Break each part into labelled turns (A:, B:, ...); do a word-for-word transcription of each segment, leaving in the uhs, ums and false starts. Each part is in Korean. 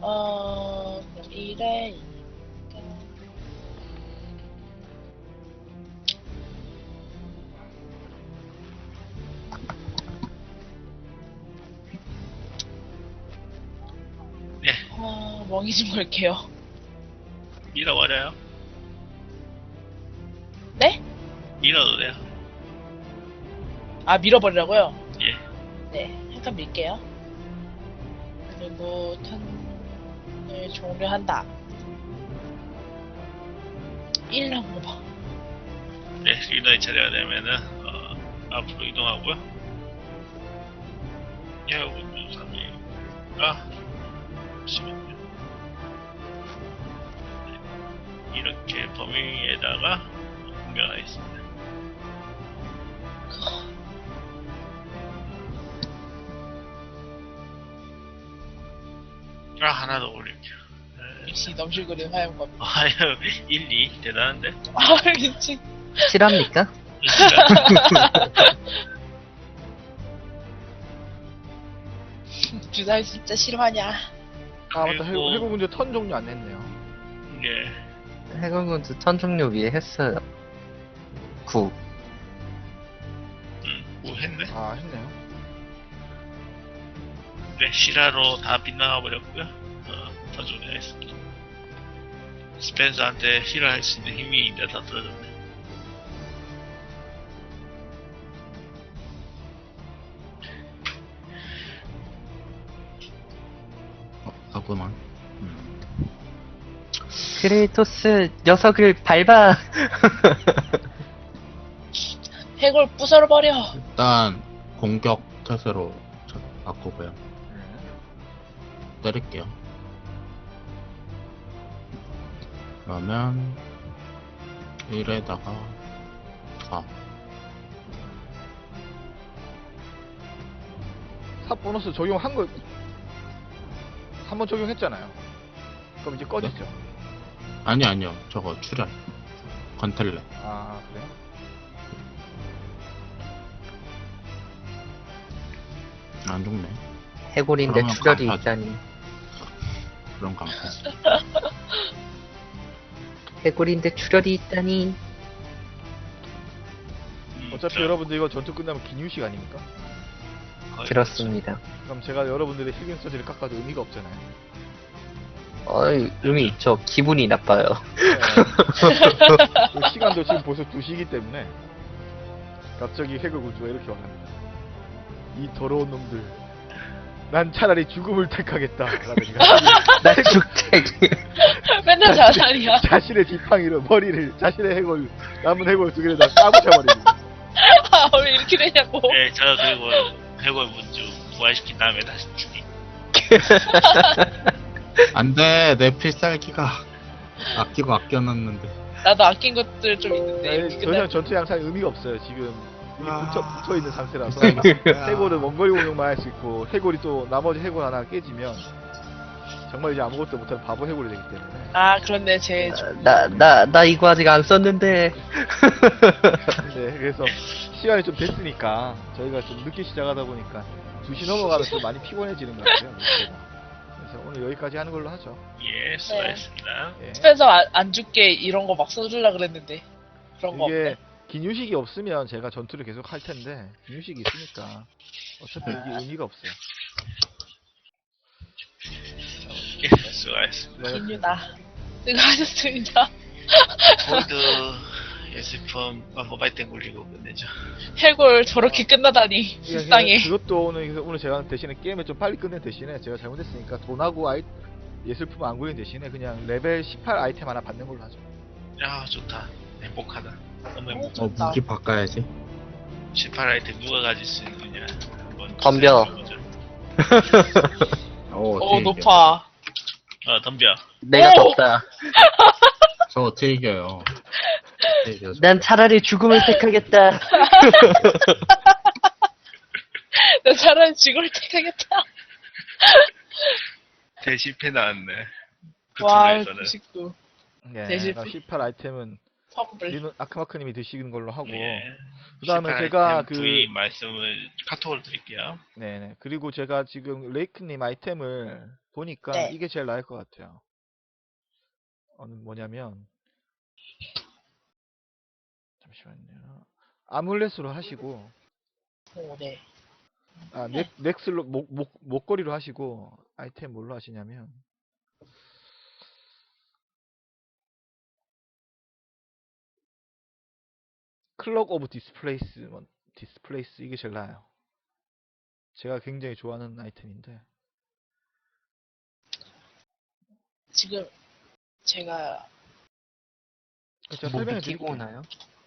A: 어, 그럼 일에
B: 네,
A: 어, 멍이 좀 걸게요.
B: 밀어버려요.
A: 네?
B: 밀어도 돼요.
A: 아, 밀어버리라고요?
B: 예.
A: 네, 잠깐 밀게요. 그리고 턴을 종료한다. 일 한번 봐.
B: 네, 리너의 차례가 되면은, 어, 앞으로 이동하고요. 해오군주 삼 위가, 잠시만요. 네, 이렇게 범위에다가 공격하겠습니다. 아, 하나 더 올릴게요. 네.
A: 역시 넘실거리는 화염검.
B: 아유, 일, 이. 대단한데?
A: 아, 미친.
C: 실합니까?
A: 주사위 진짜 싫어하냐.
D: 아 맞다.
B: 그리고-
D: 해고 군주 턴 종료 안 했네요.
B: 예.
C: 해군군주 턴 종료 위에 했어요. 구.
B: 음, 뭐 했네?
D: 아 했네요.
B: 네, 시라로 다 빗나가 버렸고요. 어, 더 종료했습니다. 스펜서한테 힐을 할 수 있는 힘이 이제 다 떨어졌네.
E: 하구만.
C: 크레이토스 녀석을 밟아.
A: 해골 부숴버려.
E: 일단 공격 태세로 저- 바꾸고요. 때릴게요. 그러면 일에다가 사.
D: 사 보너스 적용한 거 한 번 적용했잖아요. 그럼 이제 꺼지죠.
E: 아니 아니요. 저거 출혈. 건텔레.
D: 아 그래요?
E: 안 죽네.
C: 해골인데
E: 그러면
C: 출혈이
E: 강타죠.
C: 있다니.
E: 그럼 강타.
C: 해골인데 출혈이 있다니.
B: 음,
D: 어차피
B: 자,
D: 여러분들 이거 전투 끝나면 기뉴식 아닙니까?
B: 거의
C: 그렇습니다.
D: 그럼 제가 여러분들의 힐링 서지를 깎아도 의미가 없잖아요.
C: 어이, 의미 있죠. 기분이 나빠요.
D: 네. 그 시간도 지금 벌써 두 시기 때문에 갑자기 해골 군주가 이렇게 말합니다. 이 더러운 놈들. 난 차라리 죽음을 택하겠다. 라면서
C: 나 죽택.
A: 맨날 자살이야.
D: 자신의 지팡이로 머리를 자신의 해골 남은 해골 두 개를 다 까부셔버립니다.
A: 아, 왜 이렇게 되냐고.
B: 네, 저 그리고 해골 문주 부활시킨 다음에 다시 죽이.
E: 안돼. 내 필살기가 아끼고 아껴놨는데.
A: 나도 아낀 것들 좀 있는데.
D: 네,
A: 이렇게
D: 더
A: 끝날
D: 이상 전투 양상에 의미가 없어요. 지금 이미
E: 아.
D: 붙여, 붙어 있는 상태라서
E: 필살기가.
D: 해골은 원거리 공격만 할 수 있고 해골이 또 나머지 해골 하나 깨지면 정말 이제 아무것도 못하는 바보 해골이 되기 때문에
A: 아, 그런데 제
C: 나, 나, 나 이거 아직 안 썼는데.
D: 네, 그래서 시간이 좀 됐으니까 저희가 좀 늦게 시작하다 보니까 두 시 넘어가면 좀 많이 피곤해지는 것 같아요. 목표가. 그래서 오늘 여기까지 하는 걸로 하죠.
B: 예, 수고하셨습니다.
D: 예.
A: 스펜서 안, 안 죽게 이런 거 막 써주려 그랬는데 그런 거
D: 이게
A: 없네.
D: 기뉴식이 없으면 제가 전투를 계속 할 텐데 기뉴식이 있으니까 어차피 이게 의미가 없어요.
B: 예, 수고하셨습니다.
A: 기뉴다. 수고하셨습니다.
B: 골드 예술품 모바일 땡 굴리고 끝내죠.
A: 해골 저렇게 끝나다니
D: 그냥
A: 불쌍해.
D: 그것도 오늘 그래서 오늘 제가 대신에 게임을 좀 빨리 끝낸 대신에 제가 잘못했으니까 돈하고 아이 예술품 안 굴린 대신에 그냥 레벨 십팔 아이템 하나 받는 걸로 하죠.
B: 야, 좋다. 행복하다. 너무 행복.
E: 어
A: 좋다.
E: 무기 바꿔야지.
B: 십팔 아이템 누가 가질 수 있느냐. 한번
C: 덤벼.
B: 보자.
E: 어,
A: 오,
E: 어떻게 이겨?
A: 높아.
B: 어, 덤벼.
C: 내가
A: 오!
C: 덥다.
E: 저 어떻게 이겨요? 어떻게 이겨요?
C: 난 차라리 죽음을 택하겠다.
A: 나 차라리 죽을 택하겠다.
B: 대실패 나왔네. 그
A: 와,
B: 분야에서는.
A: 구십구.
D: 네,
A: 대실-
D: 그러니까 십팔 아이템은
A: 선물.
D: 리노 아크마크님이 드시는 걸로 하고
B: 예.
D: 그 다음에
B: 실패
D: 제가
B: 아이템
D: 그,
B: 부위 말씀을 카톡으로 드릴게요.
D: 네네. 그리고 제가 지금 레이크님 아이템을 보니까
A: 네.
D: 이게 제일 나을 것 같아요. 어, 뭐냐면, 잠시만요. 아뮬렛으로 하시고,
A: 오, 네.
D: 아, 넥, 넥슬로, 목, 목, 목걸이로 하시고, 아이템 뭘로 하시냐면, 클럭 오브 디스플레이스, 뭐, 디스플레이스, 이게 제일 나아요. 제가 굉장히 좋아하는 아이템인데,
A: 지금 제가
D: 제가
C: 뭐
D: 설명해
C: 미끼고
D: 드릴게요.
C: 오나요?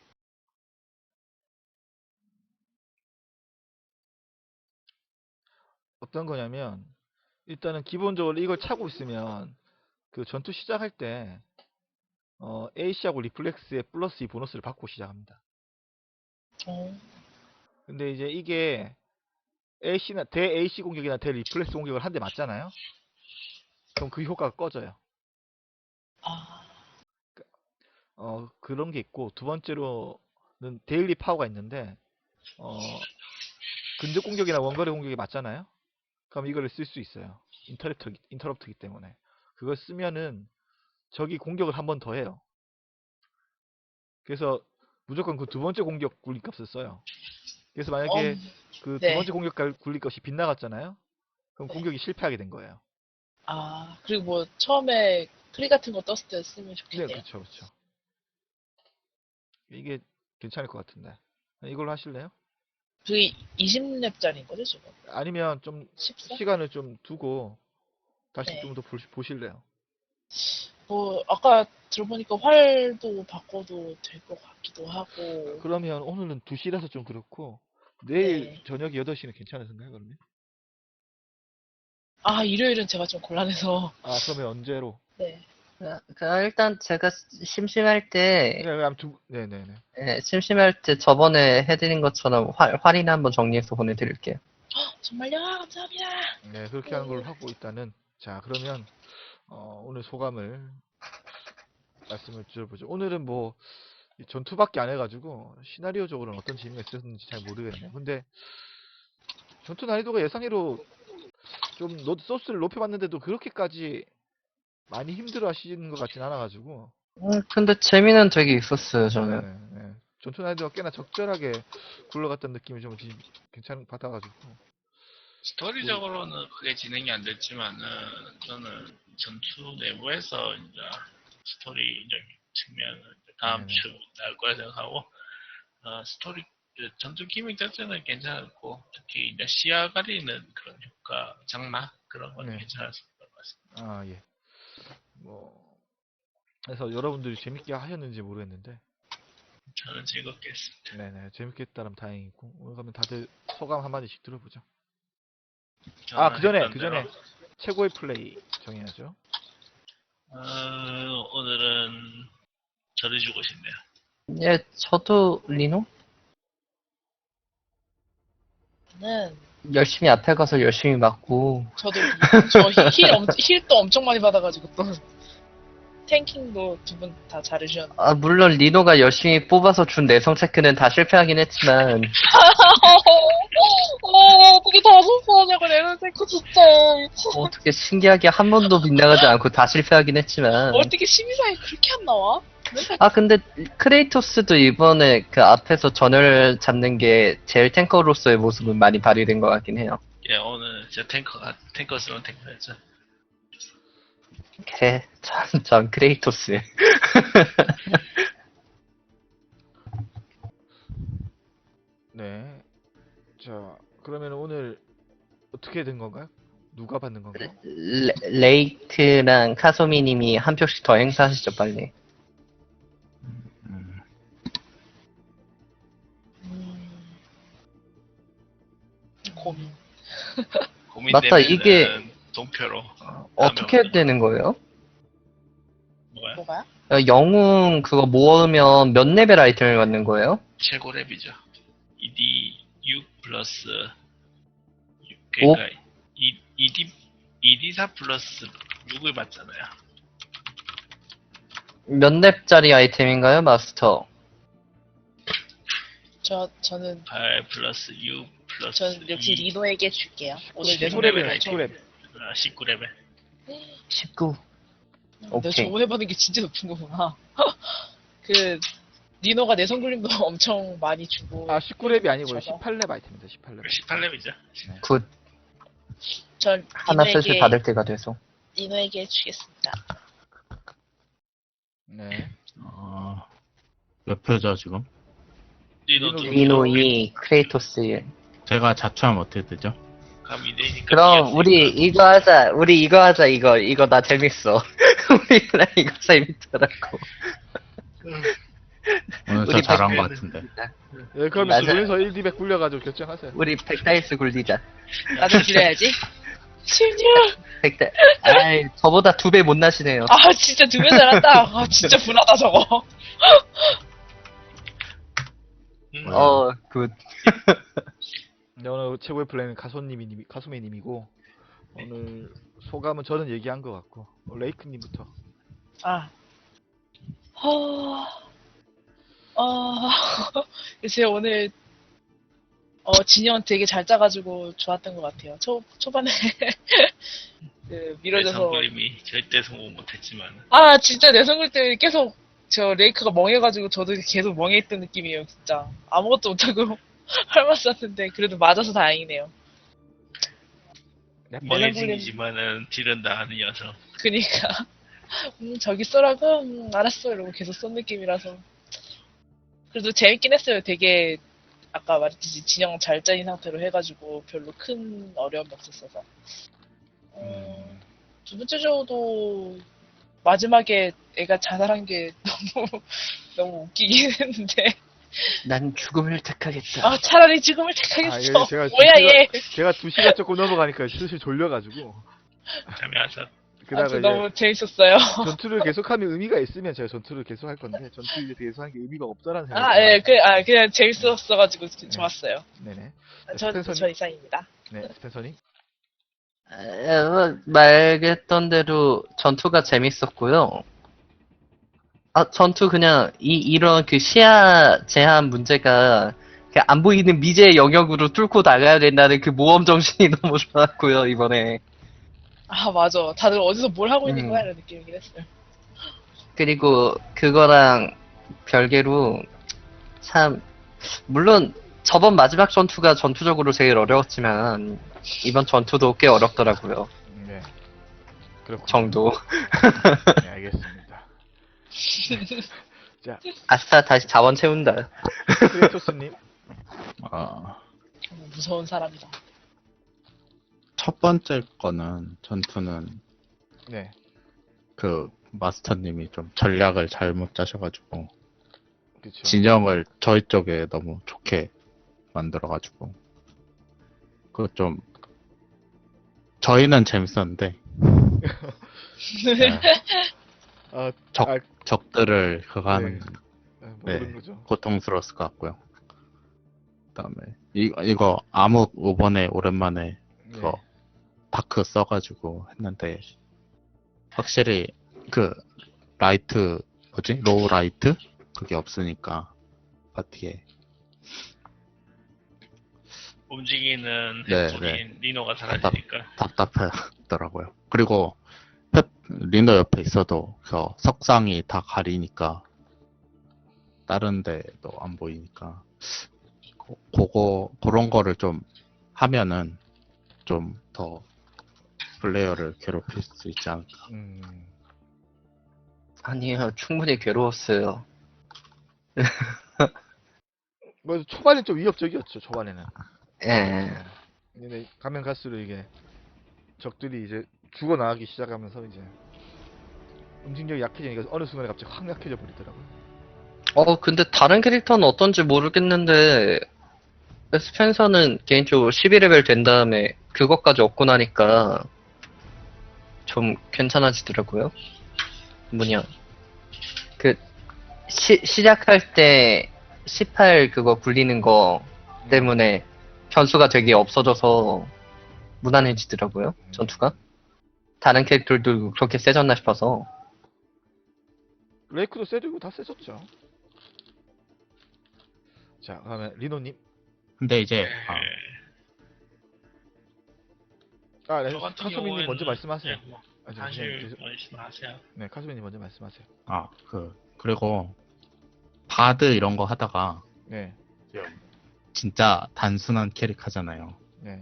D: 어떤 거냐면, 일단은 기본적으로 이걸 차고 있으면, 그 전투 시작할 때, 어, 에이씨하고 리플렉스에 플러스 이 보너스를 받고 시작합니다.
A: 어,
D: 근데 이제 이게 에이씨나 대 에이씨 공격이나 대 리플렉스 공격을 한 대 맞잖아요. 그럼 그 효과가 꺼져요.
A: 아,
D: 어 그런 게 있고 두 번째로는 데일리 파워가 있는데 어 근접 공격이나 원거리 공격이 맞잖아요. 그럼 이거를 쓸 수 있어요. 인터럽트 인터럽트기 때문에 그걸 쓰면은 적이 공격을 한 번 더 해요. 그래서 무조건 그 두 번째 공격 굴림값을 써요. 그래서 만약에
A: 엄,
D: 그 두
A: 네.
D: 번째 공격 굴림값이 빗나갔잖아요. 그럼
A: 네.
D: 공격이 실패하게 된 거예요.
A: 아, 그리고 뭐 처음에 클릭 같은 거 떴을 때 쓰면
D: 네,
A: 좋겠네요.
D: 그렇죠, 그렇죠. 이게 괜찮을 것 같은데. 이걸로 하실래요?
A: 그게 이십 렙짜리인 거죠, 지금?
D: 아니면 좀
A: 십사?
D: 시간을 좀 두고 다시
A: 네.
D: 좀 더 보실래요?
A: 뭐, 아까 들어보니까 활도 바꿔도 될 것 같기도 하고.
D: 그러면 오늘은 두 시라서 좀 그렇고 내일
A: 네.
D: 저녁 여덟 시는 괜찮으신가요, 그러면?
A: 아, 일요일은 제가 좀 곤란해서.
D: 아, 그러면 언제로?
A: 네.
C: 그, 그 일단 제가 심심할 때,
D: 네, 그럼 두, 네네네.
C: 예, 심심할 때 저번에 해드린 것처럼 활, 활이나 한번 정리해서 보내드릴게요.
A: 정말요? 감사합니다.
D: 네, 그렇게 하는 걸로 하고 일단은 자, 그러면 어, 오늘 소감을 말씀을 드려보죠. 오늘은 뭐 전투밖에 안 해가지고 시나리오적으로는 어떤 재미가 있었는지 잘 모르겠네요. 근데 전투 난이도가 예상외로 좀 노- 소스를 높여봤는데도 그렇게까지 많이 힘들어 하시는 것 같진 않아가지고
C: 음, 근데 재미는 되게 있었어요, 저는.
D: 네네, 네. 전투 난이도가 꽤나 적절하게 굴러갔던 느낌이 좀 지- 괜찮 받아가지고
B: 스토리적으로는 크게 진행이 안 됐지만은 저는 전투 내부에서 이제 스토리적인 측면은 이제 다음
D: 네네.
B: 주 나올 거라 생각하고 어, 스토리 그 전투 기믹 자체는 괜찮았고 특히 이제 시야 가리는 그런 효과 장마 그런 건
D: 네.
B: 괜찮았을 것 같습니다.
D: 아 예. 뭐 그래서 여러분들이 재밌게 하셨는지 모르겠는데
B: 저는 즐겁게 했습니다.
D: 네네 재밌게 했다면 다행이고 오늘 그러면 다들 소감 한마디씩 들어보죠.
B: 저는
D: 아 그 전에
B: 했던
D: 그
B: 대로,
D: 전에 최고의 플레이 정해야죠.
B: 어, 오늘은 저를 주고 싶네요.
C: 예, 저도 리노?
A: 저는,
C: 열심히 앞에 가서 열심히 맞고,
A: 저도, 저 힐, 엄, 힐도 엄청 많이 받아가지고 또, 탱킹도 두 분 다 잘해주셨는데.
C: 아, 물론 리노가 열심히 뽑아서 준 내성 체크는 다 실패하긴 했지만,
A: 어, 어떻게 다 실수하냐고, 내는 생고 진짜.
C: 어떻게 신기하게 한 번도 빗나가지 않고 다 실패하긴 했지만,
A: 어떻게 심의사에 그렇게 안 나와?
C: 아, 근데 크레이토스도 이번에 그 앞에서 전열 잡는 게 제일 탱커로서의 모습은 많이 발휘된 것 같긴 해요.
B: 예, 오늘 제 탱커가 탱커스러운 탱커였죠.
C: 그래, 전, 전 크레이토스.
D: 네. 자 그러면 오늘 어떻게 된 건가요? 누가 받는 건가요?
C: 레, 레이트랑 카소미님이 한 표씩 더 행사하시죠, 빨리.
E: 음,
A: 음, 고민.
C: 맞다,
B: 고민되면은
C: 이게-
B: 동표로
C: 어떻게 해야 되는 거예요?
B: 뭐야?
A: 뭐가요?
C: 어, 영웅 그거 모으면 몇 레벨 아이템을 받는 거예요?
B: 최고 랩이죠. 이디 육 플러스
C: 오?
B: 그러니까 이, 이디 이디 사 플러스 육을 받잖아요.
C: 몇 렙짜리 아이템인가요, 마스터?
A: 저 저는
B: 팔 플러스 육 플러스
A: 전 역시
B: 이.
A: 리노에게 줄게요. 오늘 내
B: 십구
A: 손에
B: 레벨
A: 저,
D: 십구 레벨.
B: 아, 십구 레벨.
C: 십구.
A: 너
C: 오케이.
A: 저번에 받은 게 진짜 높은 거구나. 그 리노가 내성 굴림도 엄청 많이 주고.
D: 아 십구 렙이 아니고요.
A: 저거.
D: 십팔 렙 아이템입니다. 십팔 렙.
B: 십팔 레벨이죠.
C: 굿.
A: 전
C: 하나 슬슬
A: 리노에게
C: 받을 때가 돼서.
A: 리노에게 주겠습니다.
D: 네.
E: 어, 몇 표죠, 지금?
B: 리노
D: 리노
B: 두
C: 리노
B: 명.
C: 이, 크레이토스 일.
E: 제가 자초하면 어떻게 되죠?
B: 그럼 이 대니까
C: 그럼 우리 이거 하자. 우리 이거 하자. 이거 이거 나 재밌어. 우리 나 이거 재밌더라고.
E: 오늘 저
C: 우리
E: 잘한 것
C: 백백
E: 같은데.
D: 네, 그러면
C: 맞아요.
D: 두 분이서 일, 이백 굴려가지고 결정하세요.
C: 우리 백다이스 굴리자.
A: 나도 줄여야지. 십육.
C: 백다. 아이 저보다 두 배 못 나시네요.
A: 아 진짜 두 배 잘한다. 아 진짜 분하다 저거.
B: 음,
C: 어 굿.
D: 네, 오늘 최고의 플레이는 가소님이 가소매님이고 오늘 소감은 저는 얘기한 것 같고 어, 레이크님부터.
A: 아. 허... 어... 글쎄 오늘 어 진영 되게 잘 짜가지고 좋았던 것 같아요. 초 초반에 그 밀어져서
B: 내성 그림이 절대 성공 못했지만
A: 아 진짜 내성 굴 때 계속 저 레이크가 멍해가지고 저도 계속 멍해있던 느낌이에요. 진짜 아무것도 못하고 할말 썼는데 그래도 맞아서 다행이네요.
D: 네,
B: 멍해진이지만은 딜은 다 하는 녀석.
A: 그니까 음 저기 쏘라고 음, 알았어 이러고 계속 쏜 느낌이라서 그래도 재밌긴 했어요. 되게 아까 말했듯이 진영 잘 짜인 상태로 해가지고 별로 큰 어려움이 없었어서 어,
D: 음,
A: 두 번째 조도 마지막에 애가 자살한 게 너무 너무 웃기긴 했는데
C: 난 죽음을 택하겠다.
A: 아 차라리 지금을
D: 아,
A: 택하겠어.
D: 이게 제가
A: 뭐야
D: 두
A: 얘.
D: 시가, 제가 두 시가 조금 넘어가니까 슬슬 졸려가지고
B: 잠이 안 잤.
D: 그다가
A: 아무튼
D: 이제
A: 너무 재밌었어요.
D: 전투를 계속하면 의미가 있으면 제가 전투를 계속할 건데 전투 이제 계속하는 게 의미가 없다라는 생각이
A: 아, 예, 그, 아, 그냥 재밌었어가지고 좋았어요.
D: 네네.
A: 저,
D: 스펜서님?
A: 저 이상입니다.
D: 네, 스펜서님.
C: 어, 말했던 대로 전투가 재밌었고요. 아, 전투 그냥 이 이런 그 시야 제한 문제가 그냥 안 보이는 미지의 영역으로 뚫고 나가야 된다는 그 모험 정신이 너무 좋았고요, 이번에.
A: 아, 맞아. 다들 어디서 뭘 하고 있는
C: 음.
A: 거야? 이런 느낌이긴 했어요.
C: 그리고 그거랑 별개로 참 물론 저번 마지막 전투가 전투적으로 제일 어려웠지만 이번 전투도 꽤 어렵더라고요.
D: 네. 그렇군요.
C: 정도.
D: 네, 알겠습니다. 자,
C: 아싸 다시 자원 채운다.
D: 크레이토스님.
E: 어,
A: 너무 무서운 사람이다.
E: 첫 번째 거는, 전투는,
D: 네.
E: 그, 마스터님이 좀 전략을 잘못 짜셔가지고,
D: 그렇죠.
E: 진영을 저희 쪽에 너무 좋게 만들어가지고, 그 좀, 저희는 재밌었는데, 네,
D: 아,
E: 적,
D: 아,
E: 적들을 그거 하는
D: 네. 아,
E: 네.
D: 모르는 거죠.
E: 고통스러웠을 것 같고요. 그 다음에, 이, 이거, 암흑 이번에 오랜만에
D: 네.
E: 그거 다크 써가지고 했는데 확실히 그 라이트 뭐지 로우 라이트 그게 없으니까 파티에
B: 움직이는
E: 네,
B: 햄토린 리노가 사라지니까
E: 답답하더라고요. 그리고 펩, 리노 옆에 있어도 그 석상이 다 가리니까 다른 데도 안 보이니까 고, 그거 그런 거를 좀 하면은 좀 더 플레이어를 괴롭힐 수 있지 않을까.
D: 음,
C: 아니요, 충분히 괴로웠어요.
D: 뭐 초반에 좀 위협적이었죠. 초반에는.
C: 예.
D: 근데 가면 갈수록 이게 적들이 이제 죽어 나가기 시작하면서 이제 응징력이 약해지니까 어느 순간에 갑자기 확 약해져 버리더라고요.
C: 어, 근데 다른 캐릭터는 어떤지 모르겠는데, 스펜서는 개인적으로 십일 레벨 된 다음에 그것까지 얻고 나니까 좀 괜찮아지더라고요. 뭐냐. 그, 시, 시작할 때 십팔 그거 굴리는 거 때문에 변수가 되게 없어져서 무난해지더라고요, 전투가. 다른 캐릭터들도 그렇게 세졌나 싶어서.
D: 레이크도 세지고 다 세졌죠. 자, 그러면 리노님.
E: 근데 이제
B: 네.
E: 아,
D: 아, 네.
B: 저 같은
D: 카소미님 먼저
B: 경우에는
D: 말씀하세요.
B: 네, 뭐,
D: 아, 저,
B: 사실
D: 저,
B: 말씀하세요.
D: 네, 카소미님 먼저 말씀하세요.
E: 아, 그 그리고 바드 이런 거 하다가
D: 네,
E: 좀 진짜 단순한 캐릭 하잖아요.
D: 네.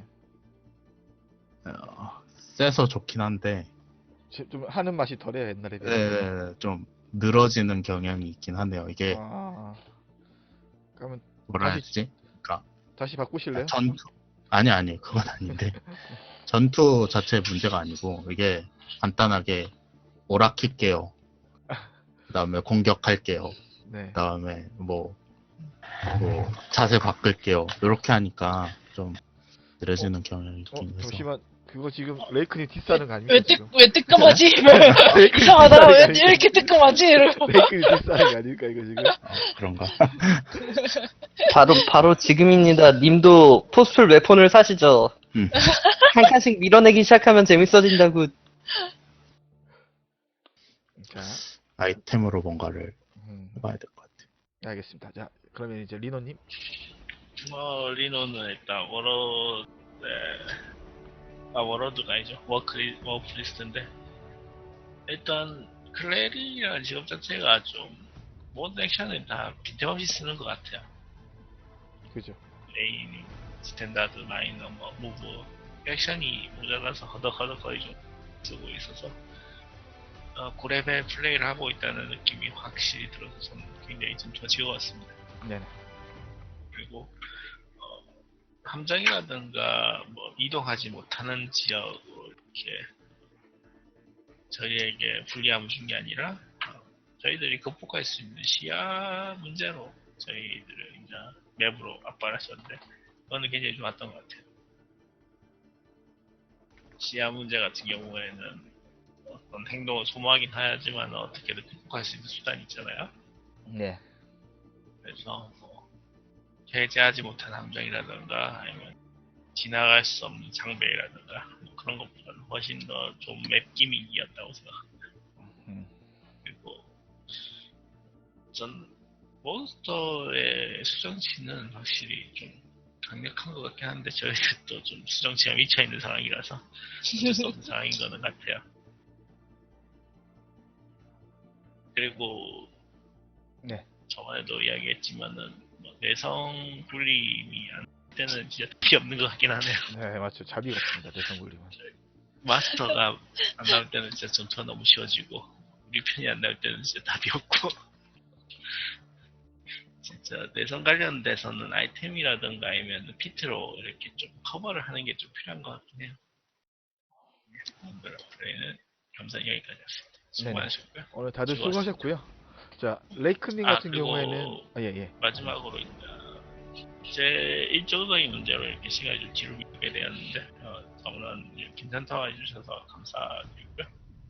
E: 어, 세서 좋긴 한데
D: 제- 좀 하는 맛이 덜해요 옛날에 비해.
E: 네, 좀 늘어지는 경향이 있긴 하네요. 이게
D: 아, 그러면
E: 뭐라 해야
D: 다시
E: 되지? 그러니까
D: 다시 바꾸실래요?
E: 전투 아니 아니 그건 아닌데 전투 자체 문제가 아니고 이게 간단하게 오락킬게요. 그다음에 공격할게요.
D: 네.
E: 그다음에 뭐, 뭐 자세 바꿀게요. 이렇게 하니까 좀 느려지는 경향이
D: 어,
E: 있긴 해서.
D: 잠시만. 그거 지금 레이크님 디스하는 거 아닙니까
A: 왜, 뜨,
D: 지금?
A: 왜 뜨끔하지?
D: 레이크님
A: 이상하다. 왜
D: 디스하는 거
A: 이렇게 뜨끔하지? 이러고.
D: 레이크님 디스하는 거 아닐까 이거 지금?
E: 아, 그런가?
C: 바로 바로 지금입니다. 님도 포스풀 웨폰을 사시죠.
E: 음.
C: 한 칸씩 밀어내기 시작하면 재밌어진다고.
D: 자,
E: 아이템으로 뭔가를
D: 음,
E: 해봐야 될 것 같아요.
D: 알겠습니다. 자, 그러면 이제 리노님.
B: 뭐 리노는 일단 워러 네. 아 워러드가 아니죠. 워크리 워프리스트인데 일단 클레리라는 직업 자체가 좀 모든 액션을 다 빈틈없이 쓰는 것 같아요.
D: 그죠?
B: 메인, 스탠다드, 마이너, 뭐 무브 액션이 모자라서 허덕허덕거리 좀 쓰고 있어서 어, 구 레벨 플레이를 하고 있다는 느낌이 확실히 들어서 저는 굉장히 좀 즐거웠습니다.
D: 네네.
B: 그리고 어, 함정이라든가 뭐 이동하지 못하는 지역으로 이렇게 저희에게 불리함을 준 게 아니라 어, 저희들이 극복할 수 있는 시야 문제로 저희들을 이제 맵으로 압박을 했었는데 그거는 굉장히 좋았던 것 같아요. 시야 문제 같은 경우에는 어떤 행동을 소모하긴 하지만 어떻게든 극복할 수 있는 수단이 있잖아요.
D: 네.
B: 그래서 뭐 해제하지 못한 함정이라든가 아니면 지나갈 수 없는 장벽이라든가 뭐 그런 것보다는 훨씬 더 좀 맵 기믹이었다고 생각합니다.
D: 음.
B: 그리고 전 몬스터의 수정치는 확실히 좀 강력한 것 같긴 한데 저희가 또 좀 수정치가 미쳐있는 상황이라서 어쩔 수 없는 상황인 거는 같아요. 그리고
D: 네.
B: 저번에도 이야기했지만은 뭐 내성 굴림이 안 때는 진짜 답이 없는 것 같긴 하네요.
D: 네, 맞죠. 자비 같습니다. 대성굴림은.
B: 마스터가 안 나올 때는 진짜 전투가 너무 쉬워지고 우리 편이 안 나올 때는 진짜 답이 없고 진짜 내성 관련돼서는 아이템이라든가 아니면 피트로 이렇게 좀 커버를 하는 게 좀 필요한 것 같긴 해요. 플레이는 감사 여기까지였습니다. 수고
D: 네네.
B: 많으셨고요.
D: 오늘 다들
B: 수고하셨습니다.
D: 수고하셨고요. 자, 레이크님
B: 아,
D: 같은
B: 그리고
D: 경우에는 아, 예, 예.
B: 마지막으로 제 일정적인 문제로 이렇게 시간이 좀 뒤로 미루게 되었는데 어, 너무나 괜찮다고 해주셔서 감사드리고요.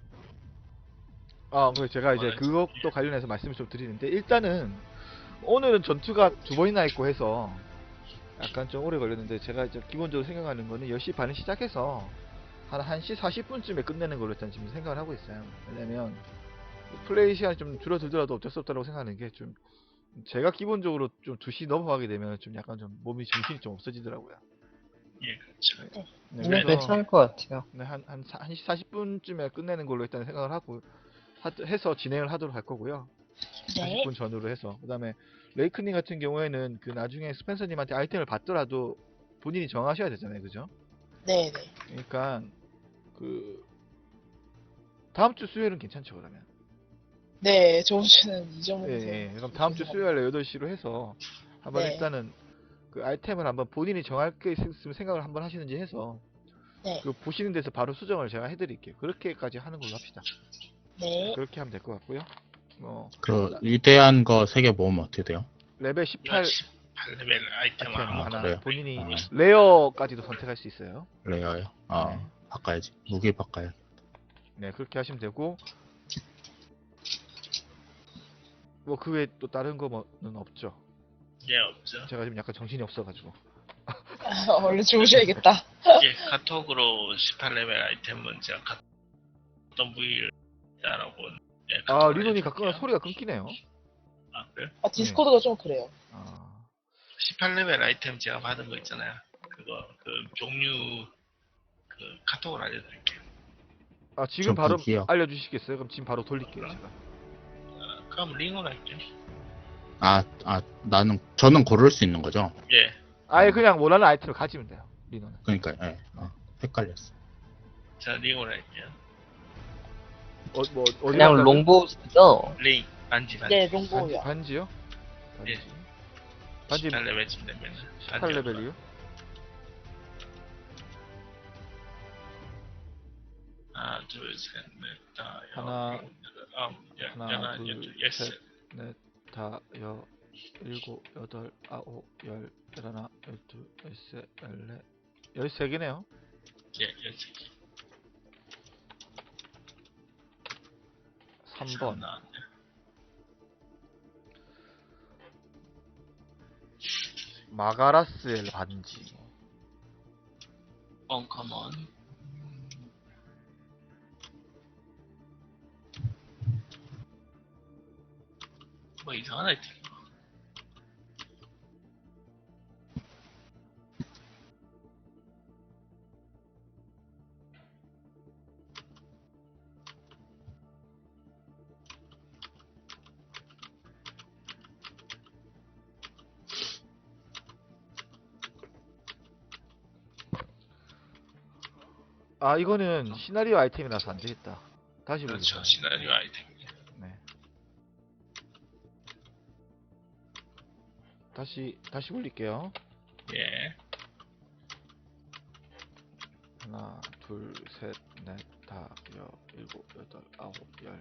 D: 아, 그래서 제가 이제
B: 네.
D: 그것도 관련해서 말씀을 좀 드리는데 일단은 오늘은 전투가 두 번이나 있고 해서 약간 좀 오래 걸렸는데 제가 이제 기본적으로 생각하는 거는 열 시 반에 시작해서 한 한 시 사십 분쯤에 끝내는 걸로 일단 지금 생각을 하고 있어요. 왜냐면 플레이 시간이 좀 줄어들더라도 어쩔 수 없다고 생각하는 게 좀 제가 기본적으로 좀 두 시 넘어가게 되면 좀 약간 좀 몸이 정신이 좀 없어지더라고요.
B: 예, 그렇죠.
D: 네,
C: 네,
D: 그래서
C: 괜찮을 것 같아요.
D: 네, 한, 한, 사- 한 시 사십 분쯤에 끝내는 걸로 일단 생각을 하고 하, 해서 진행을 하도록 할 거고요.
A: 네.
D: 사십 분 전후로 해서 그 다음에 레이크님 같은 경우에는 그 나중에 스펜서님한테 아이템을 받더라도 본인이 정하셔야 되잖아요, 그죠?
A: 네네.
D: 그러니까 그 다음 주 수요일은 괜찮죠, 그러면?
A: 네, 저번 주는 이
D: 예,
A: 정도에서.
D: 예. 그럼 다음 주 수요일에 여덟 시로 해서 한번
A: 네.
D: 일단은 그 아이템을 한번 본인이 정할 게 있으면 생각을 한번 하시는지 해서
A: 네.
D: 그 보시는 데서 바로 수정을 제가 해드릴게요. 그렇게까지 하는 걸로 합시다.
A: 네.
D: 그렇게 하면 될 것 같고요. 뭐
E: 그 위대한 거 세 개 모으면 어떻게 돼요?
D: 레벨 십팔
B: 십팔 레벨 아이템
D: 아이템
B: 하나
D: 하나
E: 그래요?
D: 본인이
E: 아.
D: 레어까지도 선택할 수 있어요.
E: 레어요? 아,
D: 네.
E: 바꿔야지. 무기 바꿔야.
D: 네, 그렇게 하시면 되고 뭐 그 외에 또 다른 거는 없죠.
B: 예, 없죠.
D: 제가 지금 약간 정신이 없어가지고.
A: 아, 얼른 주무셔야겠다.
B: 예, 카톡으로 십팔 레벨 아이템은 제가 가- 어떤 부위를 따라고 예,
D: 아
B: 카톡을
D: 리논이
B: 해줄게요.
D: 가끔은 소리가 끊기네요.
B: 아, 그래요?
A: 아, 디스코드가 좀 그래요.
D: 아,
B: 십팔 레벨 아이템 제가 받은 거 있잖아요. 그거 그 종류 그 카톡으로 알려드릴게요.
D: 아 지금
E: 저
D: 바로
E: 무기요.
D: 알려주시겠어요? 그럼 지금 바로 돌릴게요 제가.
B: 어, 그럼 링으로 할게요.
E: 아, 아, 나는, 저는 고를 수 있는 거죠?
B: 예.
D: 아예
E: 아.
D: 그냥 원하는 아이템을 가지면 돼요. 리노는.
E: 그러니까, 예. 어, 헷갈렸어.
B: 자, 링으로 할게요.
D: 어, 뭐 어디
C: 그냥
D: 간다고요?
C: 롱보우 쓰죠?
B: 링 반지 반지.
A: 네,
D: 반지,
A: 롱보우요.
D: 반지요? 반지.
B: 예.
D: 반지
B: 십팔 레벨쯤 되면
D: 십팔 레벨이요?
B: 하나, 둘, 셋, 넷, 다,
D: 하나,
B: 여섯, 여덟, 아홉, 열,
D: 하나,
B: 열하나,
D: 둘,
B: 열둘, 열셋.
D: 셋, 넷, 다, 여, 일곱, 여덟, 아홉, 열, 열하나, 열둘, 열셋, 열넷, 열세 개네요.
B: 예, 열세 개.
D: 삼 번.
B: 나왔네.
D: 마가라스엘 반지.
B: 언커먼. 뭐 이상한 아이템.
D: 아 이거는 시나리오 아이템이라서 안 되겠다. 다시
B: 그렇죠.
D: 보겠습니다.
B: 시나리오 아이템.
D: 네. 다시 다시 올릴게요.
B: 예.
D: 하나, 둘, 셋, 넷, 다, 여, 일곱, 여덟, 아홉, 열.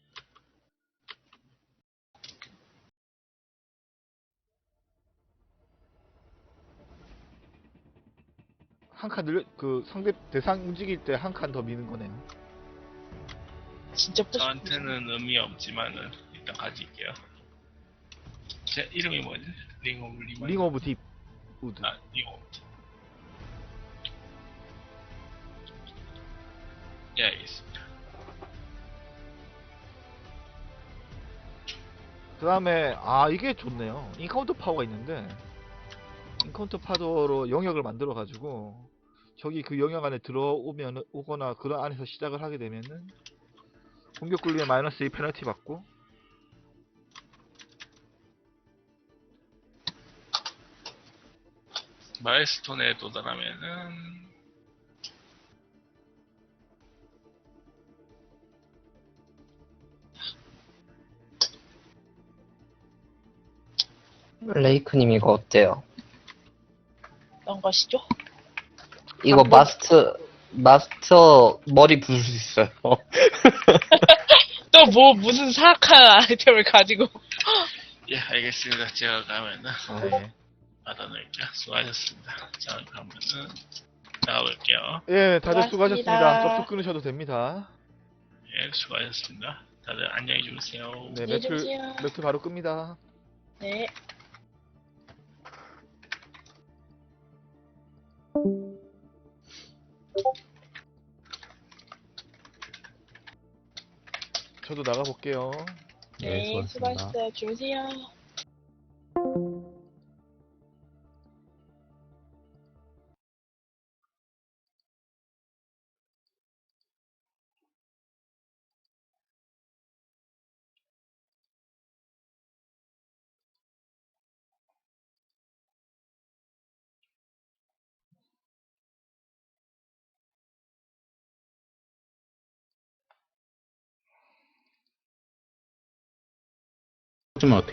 D: 한 칸 늘려, 그 상대 대상 움직일 때 한 칸 더 미는 거네요.
A: 진짜 뿌시.
B: 저한테는 의미 없지만은 일단 가질게요. 제 이름이 뭐지? 링 오브 리만.
D: 링 오브 딥 우드.
B: 아, 링 오브. 예, 알겠습니다.
D: 그 다음에 아 이게 좋네요. 인카운터 파워가 있는데 인카운터 파워로 영역을 만들어 가지고 저기 그 영역 안에 들어오면 오거나 그 안에서 시작을 하게 되면은 공격 굴림에 마이너스 이 페널티 받고
B: 마일스톤에 도달하면은
C: 레이크님 이거 어때요?
A: 어떤 것이죠?
C: 이거
A: 한 번-
C: 마스터, 마스터 머리 부술 수 있어요.
A: 또 뭐 무슨 사악한 아이템을 가지고.
B: 예, 알겠습니다. 제가 가면은
D: 네.
B: 받아놓을게요. 수고하셨습니다. 자, 그러면은 나가볼게요.
D: 예, 다들
A: 수고하셨습니다.
D: 수고하셨습니다. 접속 끊으셔도 됩니다.
B: 예, 수고하셨습니다. 다들 안녕히 주무세요.
D: 네,
A: 안녕히
D: 매트
A: 주무세요.
D: 매트 바로 끕니다.
A: 네.
D: 저도 나가 볼게요.
E: 예,
A: 네,
E: 수고하셨습니다.
A: 수고하셨어요. 주무세요.
E: 좀 어떻게